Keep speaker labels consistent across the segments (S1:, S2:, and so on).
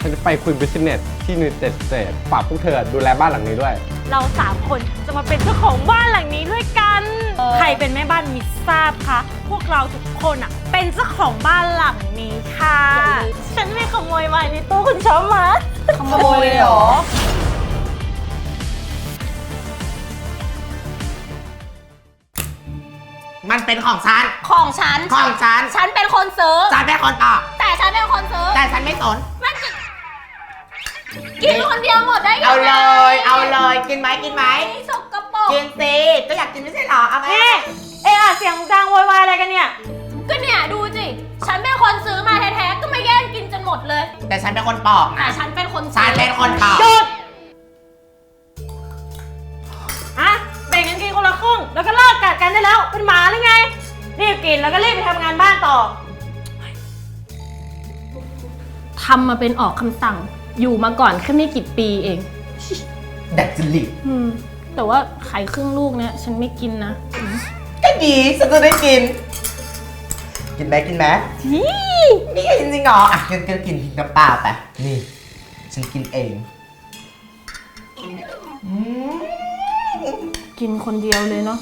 S1: ฉันจะไปคุยบิสเนสที่นิวเต็ดสเตทฝากพวกเธอดูแลบ้านหลังนี้ด้วย
S2: เรา3 คนจะมาเป็นเจ้าของบ้านหลังนี้ด้วยกันใครเป็นแม่บ้านมิทราบคะพวกเราทุกคนอ่ะเป็นเจ้าของบ้านหลังนี้ค่ะฉันไม่ขโมยไว้ในตู้คุณชอบมา
S3: ขโมยเลยเหรอ
S4: มันเป็นของฉัน
S3: ของฉันฉันเป็นคนซื้อ
S4: ฉันเป็นคนตอบ
S3: แต่ฉันเป็นคนซื้อ
S4: แต่ฉันไม่สน
S3: มันกินคนเดียวหมดได้ยังไง
S4: เอาเลยกินไหม
S3: สกปรก
S4: กินสิก็อยากกินไม่ใช่หรอเอาไหม
S2: เสียงดังโวยวายอะไรกันเนี่ย
S3: ก็เนี่ยดูสิฉันเป็นคนซื้อมาแท้ๆก็มาแย่งกินจนหมดเลย
S4: แต่ฉันเป็นคนปอกนะ
S3: แต่ฉันเป็นคน
S4: ปอก
S2: หยุดแบ่งกันกินคนละครึ่งแล้วก็เลิกกัดกันได้แล้วเป็นหมาหรือไงรีบกินแล้วก็รีบไปทำงานบ้านต่อ
S3: ทำมาเป็นออกคำสั่งอยู่มาก่อนแค่ไม่กี่ปีเอง
S4: ดัดจริต
S3: แต่ว่าไข่ครึ่งลูกเนี่ยฉันไม่กินนะ
S4: ก็ดีฉันจะได้กินไหมนี่จริงๆเหรออ่ะกินน้ำเปล่าไปนี่ฉันกินเอง
S3: กินคนเดียวเลยเนาะ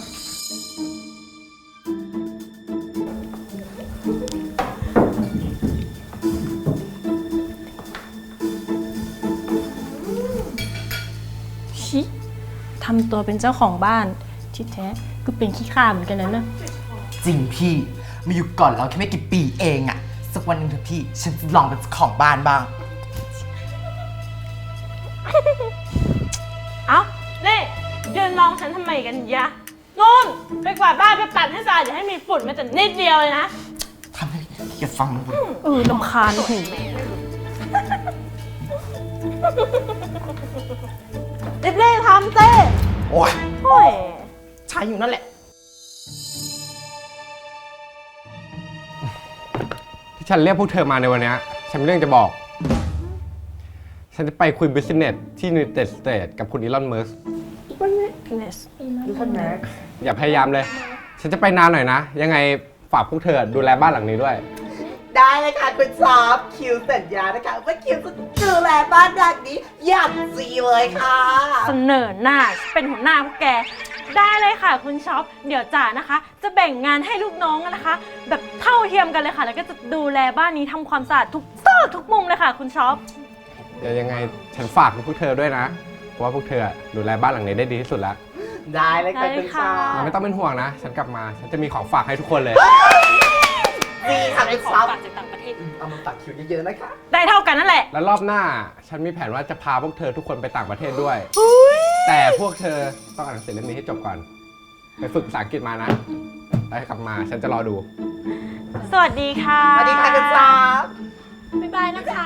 S3: ชิทำตัวเป็นเจ้าของบ้านที่แท้ก็เป็นขี้ข้าเหมือนกันนะ
S4: จริงพี่มาอยู่ก่อนเราแค่ไม่กี่ปีเองอะสักวันหนึ่งเถอะพี่ฉันจะลองเป็นเจ้าของบ้านบ้าง
S2: เอ้าเล่ยืนมองฉันทำไมกันยะนู่นไปกวาดบ้านไปปัดให้สะอาดอย่าให้มีฝุ่นแม้แต่นิดเดียวเลยนะ
S4: ทำให้อย่าฟังมัน
S3: รำคาญหู
S2: เล่ทำเต้
S4: โอ้ยใช้อยู่นั่นแหละ
S1: ที่ฉันเรียกพวกเธอมาในวันนี้ฉันมีเรื่องจะบอกฉันจะไปคุยบิสเนสที่นิวเต็ดสเตทกับคุณอีลอนมัสก์อย่าพยายามเลยฉันจะไปนานหน่อยนะยังไงฝากพวกเธอดูแลบ้านหลังนี้ด้วย
S4: ได้เลยค่ะคุณซอฟคิวสัญญานะคะว่าคิวจะดูแลบ้านหลังนี้อย่างดีเลยค่ะ
S2: เสนอหน้าเป็นหัวหน้าพวกแกได้เลยค่ะคุณช็อปเดี๋ยวจ๋านะคะจะแบ่งงานให้ลูกน้องนะคะ แบบเท่าเทียมกันเลยค่ะแล้วก็จะดูแลบ้านนี้ทำความสะอาดทุกซอกทุกมุมเลยค่ะคุณช็อป
S1: เดี๋ยวยังไงฉันฝากพวกเธอด้วยนะเพราะว่าพวกเธอดูแลบ้านหลังนี้ได้ดีที่สุดแล้ว
S4: ได้เลยค่ะคุณช็อป
S1: ไม่ต้องเป็นห่วงนะฉันกลับมาฉันจะมีของฝากให้ทุกคนเลย
S4: ดีค่ะคุณช็อป
S2: จากต่างประเทศ
S4: เอามาฝากคิวเยอะๆนะคะ
S2: ได้เท่ากันนั่นแหละ
S1: แล้วรอบหน้าฉันมีแผนว่าจะพาพวกเธอทุกคนไปต่างประเทศด้วยแต่พวกเธอต้องอ่านหนังสือเล่มนี้ให้จบก่อนไปฝึกภาษาอังกฤษมานะแล้วกลับมาฉันจะรอดู
S2: สวัสดีค่ะ
S4: สวัสดีค่ะคุณช็อป
S3: บ๊ายบายนะคะ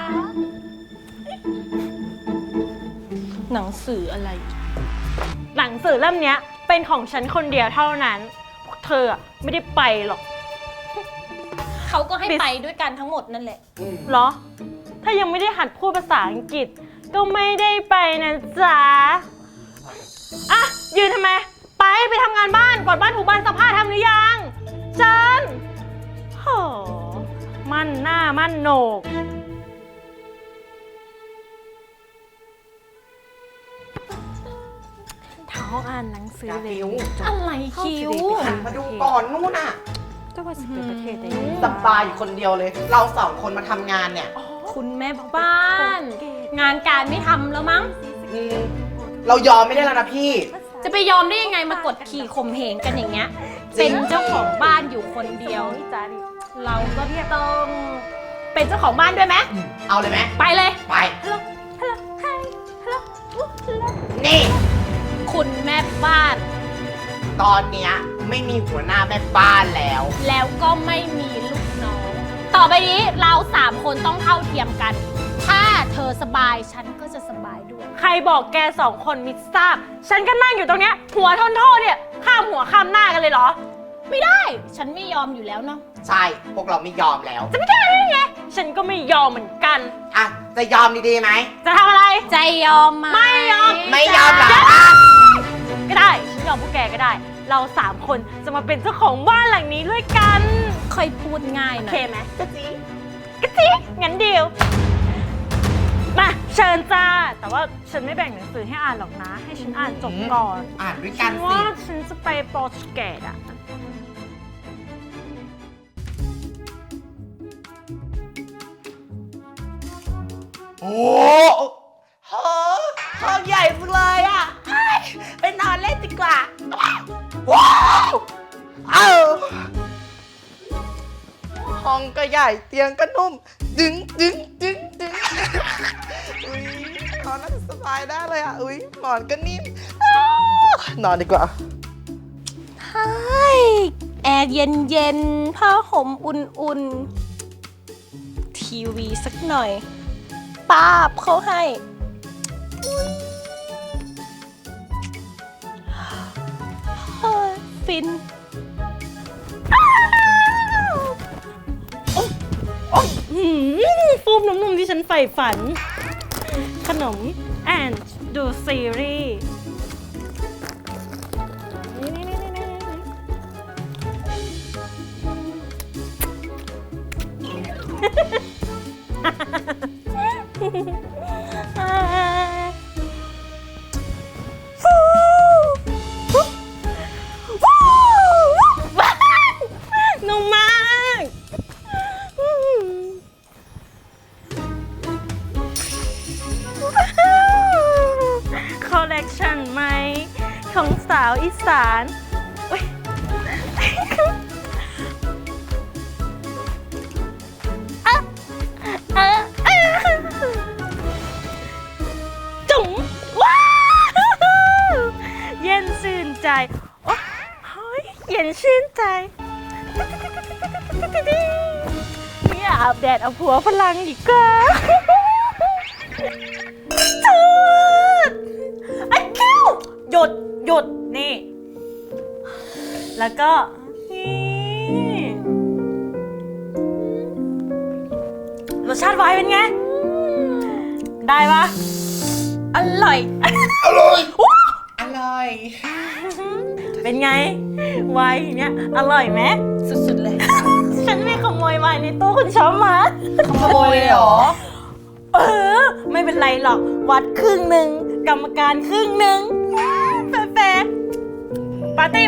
S3: หนังสืออะไร
S2: หนังสือเล่มนี้เป็นของฉันคนเดียวเท่านั้นพวกเธอไม่ได้ไปหรอก
S3: เขาก็ให้ไปด้วยกันทั้งหมดนั่นแหละ
S2: เหรอถ้ายังไม่ได้หัดพูดภาษาอังกฤษก็ไม่ได้ไปนะจ๊ะอ่ะยืนทำไมไปทำงานบ้านกวาดบ้านถูบ้านซักผ้าทำหรือยังจันโหมั่นหน้ามั่นโหนกท้าอ่านหนังสือเร็ว
S3: อะไรคิว
S4: มาดูก่อนนู่นน่ะ
S2: ก็ว่าจะเป็นประเทศได้
S4: สบายอยู่คนเดียวเลยเรา2 คนมาทำงานเนี่ย
S3: คุณแม่บ้านงานการไม่ทำแล้วมั้ง
S4: เรายอมไม่ได้แล้วนะพี่
S3: จะไปยอมได้ยังไงมากดขี่ข่มเหงกันอย่างเงี้ยเป็นเจ้าของบ้านอยู่คนเดียวเราก็ต้องเป็นเจ้าของบ้านด้วยไหม
S4: เอาเลยไหม
S3: ไปเลย
S4: ไปนี่
S3: คุณแม่บ้าน
S4: ตอนเนี้ยไม่มีหัวหน้าแม่บ้านแล้ว
S3: ก็ไม่มีลูกน้องต่อไปนี้เรา3 คนต้องเท่าเทียมกันถ้าเธอสบายฉันก็จะสบายด้วย
S2: ใครบอกแก2 คนมิทราบฉันก็นั่งอยู่ตรงเนี้ยหัวทนโทษเนี่ยข้ามหัวข้ามหน้ากันเลยเหรอ
S3: ไม่ได้ฉันไม่ยอมอยู่แล้วเนาะ
S4: ใช่พวกเราไม่ยอมแล้ว
S2: จะไม่ได้ยังไงฉันก็ไม่ยอมเหมือนกัน
S4: อ่ะจะยอมดีๆไหม
S2: จะทำอะไร
S3: ใจยอมไหม
S2: ไม่ยอม
S4: เหรอ
S2: ก็ได้ฉันยอมพวกแกก็ได้เรา3 คนจะมาเป็นเจ้าของบ้านหลังนี้ด้วยกัน
S3: ค่อยพูดง่ายหน่อย
S2: โอเคไหม
S4: กะจิ
S2: งั้นเดียวญจ้า แต่ว่าฉันไม่แบ่งหนังสือให้อ่านหรอกนะ ให้ฉันอ่านจบก่อน
S4: อ่านด้วยกั
S2: ฉั
S4: น
S2: น
S4: สิ
S2: ว่าฉันจะไปโปรตุเกสอ่ะ
S4: โอ้โหห้องใหญ่จังเลยอ่ะเอ้ยไปนอนเล่นดีกว่า ว้าวห้องก็ใหญ่เตียงก็นุ่ม ดึงอุ้ยนอนน่าจะสบายได้เลยอ่ะ อุ้ยหมอนก็นิ่มนอนดีกว่า
S3: ใช่แอร์เย็นๆ ผ้าห่มอุ่นๆ ทีวีสักหน่อย ป้าบเขาให้เฮ้ยฟิน
S2: ฟูมนุ่มๆที่ฉันใฝ่ฝัน ขนมแอนดูซีรีส์นุ่มมากคอลเลกชันไหมของสาวอีสานอุ๊ยจุ๋มว้าวเย็นชื่นใจโอ้เฮ้ยเย็นชื่นใจไม่อยากอาบแดดเอาผัวพลังอีกแล้ว จุดไอ้คิวหยุดนี่ แล้วก็นี่รสชาติไวน์เป็นไง ได้ปะ
S3: อร่อย
S4: อร่อย
S2: เป็นไงไวน์เนี้ยอร่อยไหม
S3: สุดๆเลย
S2: ฉันไม่ขโมยไวน์ในตู้คุณชอบมา
S4: ขโมยเลยเหรอ
S2: ไม่เป็นไรหรอก วัดครึ่งหนึ่งกรรมการครึ่งหนึ่งแฟร์ปาร์ตี้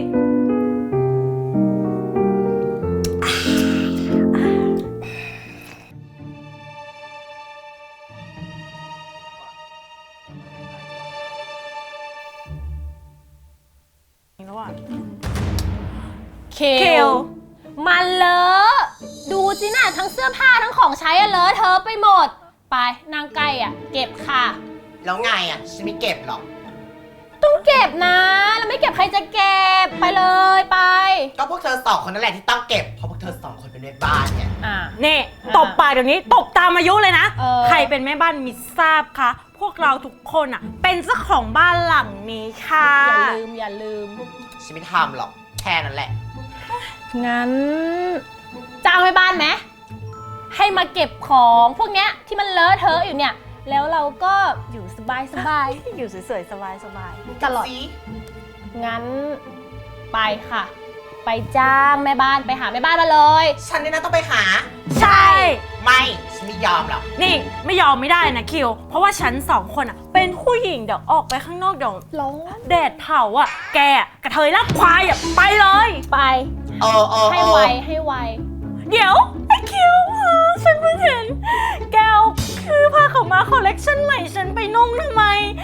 S2: แล้วอ่ะ
S3: เค
S2: เคล
S3: มันเลอะดูสินะทั้งเสื้อผ้าทั้งของใช้อะเลอะเธอะไปหมด ไปนางไก่อะเก็บค่ะ
S4: แล้วไงอ่ะ ฉันไม่เก็บหรอก
S3: ต้องเก็บนะ แล้วไม่เก็บใครจะเก็บไปเลยไป
S4: ก็พวกเธอสองคนนั่นแหละที่ต้องเก็บ เพราะพวกเธอสองคนเป็นแม่บ้านไง
S3: อ่า
S2: นี่ตบปากเดี๋ยวนี้ตบตามอายุเลยนะ
S3: เออ
S2: ใครเป็นแม่บ้านมิทราบคะพวกเราทุกคนอ่ะ เป็นเจ้าของบ้านหลังนี้ค่ะ
S3: อย่าลืม
S4: ฉันไม่ทำหรอก แค่นั้นแหละ
S3: งั้นจ้างแม่บ้านไหมให้มาเก็บของพวกเนี้ยที่มันเลอะเทอะอยู่เนี่ย แล้วเราก็อยู่สบาย
S2: อยู่สวยๆ สบาย
S3: ๆตลอด งั้นไปค่ะ ไปจ้างแม่บ้านไปหาแม่บ้านมาเลย
S4: ฉันนี่นะต้องไปหา
S2: ๆ ใช่
S4: ไม่ ฉันไม่ยอมหรอก
S2: นี่ไม่ยอมไม่ได้นะคิว เพราะว่าฉันสองคนอ่ะ เป็นผู้หญิงเดี๋ยวออกไปข้างนอกเดี๋ยว
S3: ร้อง
S2: แดดเผาอ่ะ แกอะกระเทยลากควายอ่ะ ไปเลย
S3: ไป ให้ไวให้ไว
S2: เดี๋ยวไอ้คิวฉันเพิ่งเห็น แกวคือผ้าขาวม้าคอลเลกชันใหม่ฉันไปนุ่งทำไม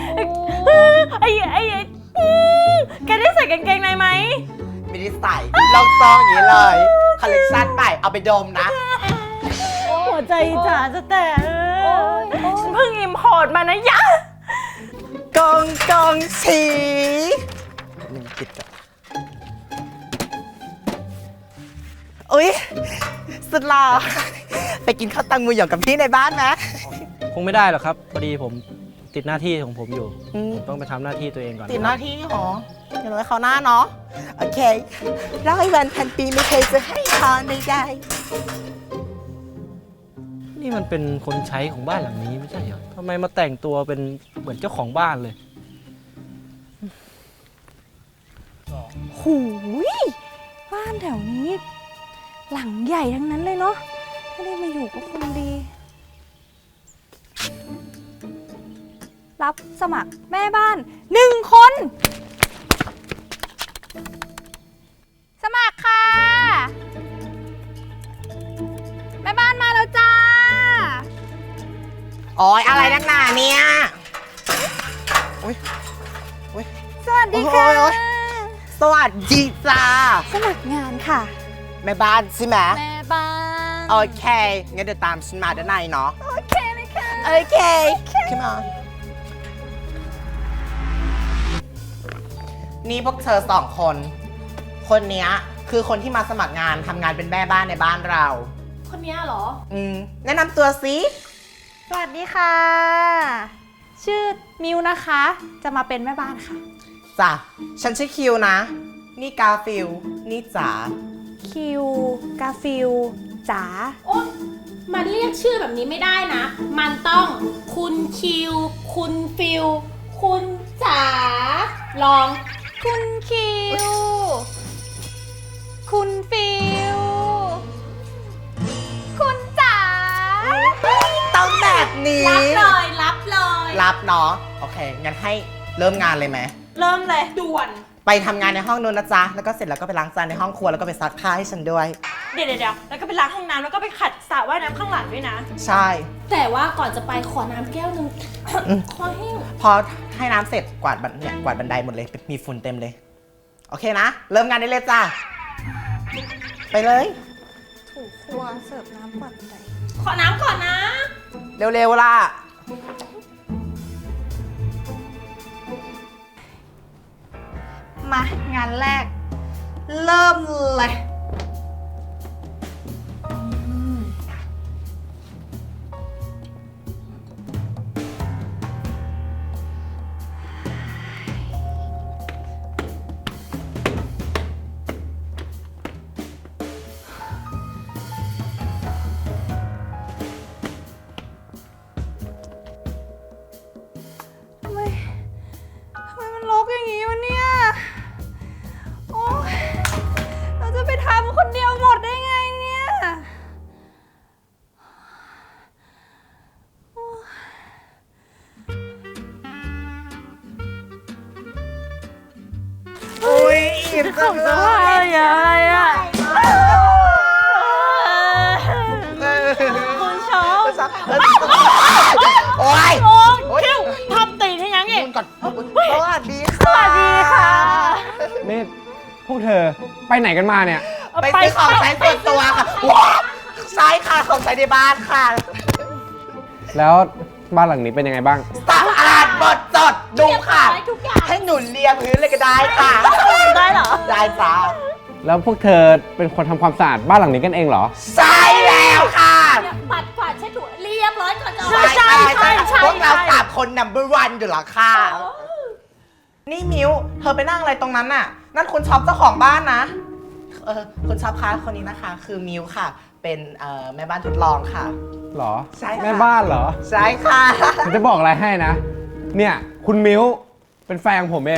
S2: แกได้ใส่กางเกงในไหม
S4: ไม่ได้ใส่ลองซองอย่างนี้เลย คอลเลกชันใหม่เอาไปดมนะ
S2: หัวใจจ๋าจะแตก
S3: โอ๊ย
S2: ฉันเพิ่งอิมพอร์ตมานะยะ
S4: กองสีมันติดกับอุ๊ย สุดหล่อไปกินข้าวตังมือหยองกับพี่ในบ้านไหม
S5: คงไม่ได้หรอกครับ พอดีผมติดหน้าที่ของผมอยู่ ผมต้องไปทำหน้าที่ตัวเองก่อน
S4: ติดหน้าที่หรออย่างน้อยเขาหน้าเนาะ โอเค100 วันพันปีไม่เคยจะให้พรใด
S5: นี่มันเป็นคนใช้ของบ้านหลังนี้ไม่ใช่เหรอทำไมมาแต่งตัวเป็นเหมือนเจ้าของบ้านเลย
S6: หูยบ้านแถวนี้ หลังใหญ่ทั้งนั้นเลยเนาะถ้าได้มาอยู่ก็คงดีรับสมัครแม่บ้าน1 คน สมัครค่ะ แม่บ้านมาแล้วจ้า
S4: โอ้ยอะไรนักหนาเนี่ย
S6: สวัสดีค่ะ
S4: โอ้ย สวัสดีจ้า
S6: สมัครงานค่ะ
S4: แม่บ้านใช่ไหม
S6: แม่บ้าน
S4: โอเค งั้นเดี๋ยวตามฉันมาด้านในเนาะ
S6: โอเคเลยค่ะ
S4: โอเคขึ้นมา นี่พวกเธอ2 คน คนเนี้ยคือคนที่มาสมัครงานทำงานเป็นแม่บ้านในบ้านเรา
S2: คนนี้เหรอ
S4: แนะนำตัวสิ
S6: สวัสดีค่ะ ชื่อมิวนะคะ จะมาเป็นแม่บ้านค่ะ
S4: จ้ะ ฉันชื่อคิวนะ นี่กาฟิล นี่จ๋า
S6: คิว กาฟิล จ๋า
S3: โอ๊ยมันเรียกชื่อแบบนี้ไม่ได้นะ มันต้องคุณคิว คุณฟิล คุณจ๋า ลอง
S6: คุณคิว คุณฟิล คุณจ๋า
S4: ต้องแบบนี้
S3: รับเลยรับเลย
S4: รับเนาะ โอเค งั้นให้เริ่มงานเลยไหม
S2: เริ่มเลย
S3: ด่วน
S4: ไปทำงานในห้องนู้นนะจ๊ะ แล้วก็เสร็จแล้วก็ไปล้างจานในห้องครัวแล้วก็ไปซักผ้าให้ฉันด้วย
S2: เดี๋ยวแล้วก็ไปล้างห้องน้ำแล้วก็ไปขัดสระว่ายน้ำข้างหลังด้วยนะ
S4: ใช่
S3: แต่ว่าก่อนจะไปขอน้ำแก้วหนึ่ง ขอแห้ง
S4: พอให้น้ำเสร็จกวาดกวาดบันไดหมดเลย มีฝุ่นเต็มเลย โอเคนะ เริ่มงานได้เลยจ้ะ ไปเลย
S6: ถูกครัวเสิร์ฟน้ำกวาดบันได
S2: ขอน้ำก่อนนะ
S4: เร็วๆล่ะ
S6: มางานแรก เริ่มเลย ทำไมมันรกอย่างนี้วะเนี่ย โอ๊ยเราจะไปทำคนเดียวหมดได้ไงเนี่ย
S4: อุ้ยอิ่มจังเลย
S2: อะไรอ่ะ คุณชอบ
S4: โอ้ย
S2: โอ้คิวทำตีนให้ยังไง
S4: คุณก่อนสวัสดีค่ะ
S2: สวัสดีค่ะ
S1: นี่พวกเธอไปไหนกันมาเนี่ย
S4: ไปซื้อของใช้ส่วนตัวค่ะว้าวใช่ค่ะ ของใช้ในบ้านค่ะ
S1: แล้วบ้านหลังนี้เป็นยังไงบ้าง
S4: สะอาดหมดจดดูค่ะ
S3: ทุกอย่าง
S4: ให้หนุนเลียพื้นเลยก็ได้ค่ะ
S2: ได้เหรอ
S4: ได้จ้า
S1: แล้วพวกเธอเป็นคนทำความสะอาดบ้านหลังนี้กันเองเหรอ
S4: ใช่แล้วค่ะ
S3: ปัดกวาดเช็ดถูเรียบร้อยก่อนจะ
S2: ใช่
S4: พวกเรา3 คน number 1อยู่แล้วค่ะ นี่มิวเธอไปนั่งอะไรตรงนั้นน่ะ นั่นคุณช็อปเจ้าของบ้านนะ คุณช็อปคะคนนี้นะคะ คือมิวค่ะ เป็นแม่บ้านทดลองค่ะ
S1: หรอ
S4: ใช่ค่ะ
S1: แม่บ้านเหรอ
S4: ใช่ค่ะ
S1: ผมจะบอกอะไรให้นะ เนี่ย คุณมิ้ว เป็นแฟนของผมเอง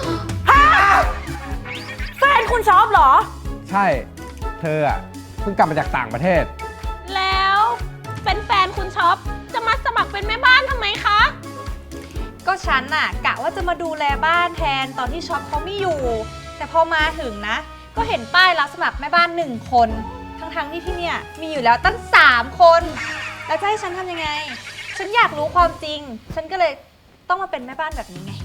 S2: แฟนคุณชอบเหรอ
S1: ใช่ เธออ่ะ เพิ่งกลับมาจากต่างประเทศ
S3: แล้วเป็นแฟนคุณช็อปจะมาสมัครเป็นแม่บ้านทำไมคะ
S6: ก็ฉันน่ะกะว่าจะมาดูแลบ้านแทนตอนที่ช็อปเขาไม่อยู่ แต่พอมาถึงนะ ก็เห็นป้ายรับสมัครแม่บ้าน1 คน ทั้งที่ที่เนี่ยมีอยู่แล้วตั้ง3 คน แล้วจะให้ฉันทำยังไง ฉันอยากรู้ความจริง ฉันก็เลยต้องมาเป็นแม่บ้านแบบนี้ไง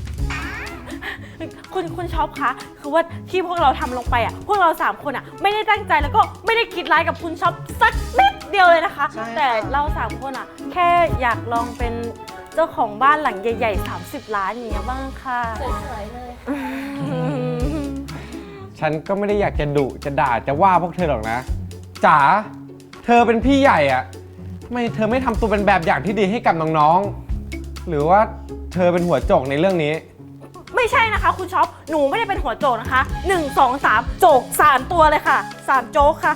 S2: คุณช็อปคะคือว่าที่พวกเราทำลงไปอ่ะพวกเรา3 คนอ่ะไม่ได้ตั้งใจแล้วก็ไม่ได้คิดร้ายกับคุณช็อปสักนิดเดียวเลยนะคะ
S4: ใช่ค่ะ
S2: แต่เรา3 คนอ่ะแค่อยากลองเป็นเจ้าของบ้านหลังใหญ่ๆ30 ล้านอย่างเงี้ยบ้างค่ะ
S3: สวยๆเลย
S1: ฉันก็ไม่ได้อยากจะดุจะด่าจะว่าพวกเธอหรอกนะ จ๋า เธอเป็นพี่ใหญ่อะทำไมเธอไม่ทำตัวเป็นแบบอย่างที่ดีให้กับน้องๆ หรือว่าเธอเป็นหัวโจกในเรื่องนี้
S2: ไม่ใช่นะคะคุณช็อปหนูไม่ได้เป็นหัวโจกนะคะ1 2 3โจก3 ตัวเลยค่ะ3โจกค่ะ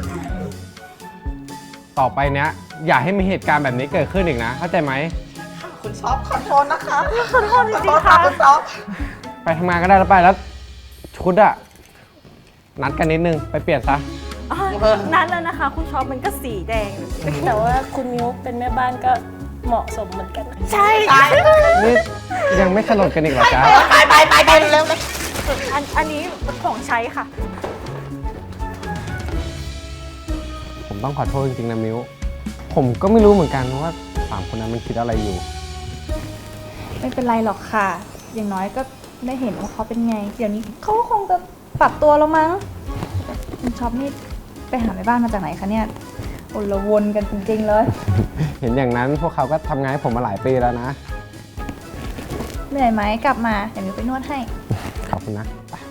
S1: ต่อไปเนี้ยอย่าให้มีเหตุการณ์แบบนี้เกิดขึ้นอีกนะ เข้าใจไหม
S4: คุณช็อปขอโทษนะคะ
S2: ขอโทษจริงๆค่ะ
S4: คุณช็อป
S1: ไปทำงานก็ได้แล้วไปแล้วชุดอะนัดกันนิดนึงไปเปลี่ยนซะ
S2: นั้นแล้วนะคะ คุณช็อปมันก็สีแดง แต่ว่าคุณมิวเป็นแม่บ้านก็
S3: เหมาะสมเหมือนกันนะ
S2: ใช่
S1: นี่ยังไม่สลดกันอีกเหรอจ๊ะ
S4: ไปเร็วเลย
S2: อันนี้เป็นของใช้ค่ะ
S1: ผมต้องขอโทษจริงๆนะมิวผมก็ไม่รู้เหมือนกันว่าสามคนนั้นมันคิดอะไรอยู่
S6: ไม่เป็นไรหรอกค่ะ อย่างน้อยก็ได้เห็นว่าเขาเป็นไง เดี๋ยวนี้เขาก็คงจะปรับตัวแล้วมั้งแต่คุณช็อปนี่ไปหาแม่บ้านมาจากไหนคะเนี่ยโอละวนกันจริงๆเลย
S1: เห็นอย่างนั้นพวกเขาก็ทำงานให้ผมมาหลายปีแล้วนะ
S6: เหนื่อยไหมกลับมาเดี๋ยวมิวไปนวดให้
S1: ขอบคุณนะไป